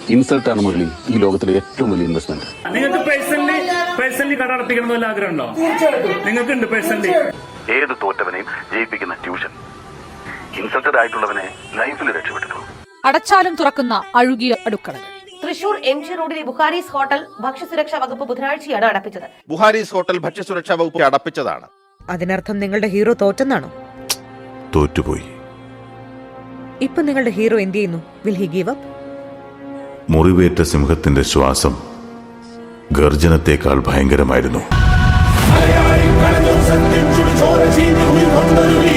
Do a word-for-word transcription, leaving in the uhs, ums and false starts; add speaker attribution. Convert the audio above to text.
Speaker 1: Insult ആണ് മുരളി ഈ ലോകത്തിലെ ഏറ്റവും വലിയ ഇൻവെസ്റ്റ്മെന്റ്.
Speaker 2: നിങ്ങൾക്ക് പേഴ്സണലി പേഴ്സണലി കട അടപ്പിക്കണം വല്ല ആഗ്രഹമുണ്ടോ? നിങ്ങൾക്ക് ഉണ്ട് പേഴ്സണലി?
Speaker 1: ഏത് തോറ്റവനെയും ജയിപ്പിക്കുന്ന ട്യൂഷൻ ഇൻസൾട്ടഡ് ആയിട്ടുള്ളവനെ ലൈഫിൽ രക്ഷപ്പെട്ടിട്ടുള്ളൂ.
Speaker 3: അടച്ചാലും തുറക്കുന്ന അഴുകിയ അടുക്കളകൾ.
Speaker 4: തൃശൂർ എം ജി റോഡിലെ ബുഹാരീസ് ഹോട്ടൽ ഭക്ഷ്യസുരക്ഷാ വകുപ്പ് ബുധനാഴ്ചയാണ് അടപ്പിച്ചത്.
Speaker 5: ബുഹാരീസ് ഹോട്ടൽ ഭക്ഷ്യസുരക്ഷാ വകുപ്പ് അടപ്പിച്ചതാണ്.
Speaker 6: അതിനർത്ഥം നിങ്ങളുടെ ഹീറോ തോറ്റെന്നാണോ?
Speaker 7: തോറ്റുപോയി.
Speaker 6: ഇപ്പൊ നിങ്ങളുടെ ഹീറോ എന്ത് ചെയ്യുന്നു? Will he give up?
Speaker 7: മുറിവേറ്റ സിംഹത്തിന്റെ ശ്വാസം ഗർജനത്തെക്കാൾ ഭയങ്കരമായിരുന്നു.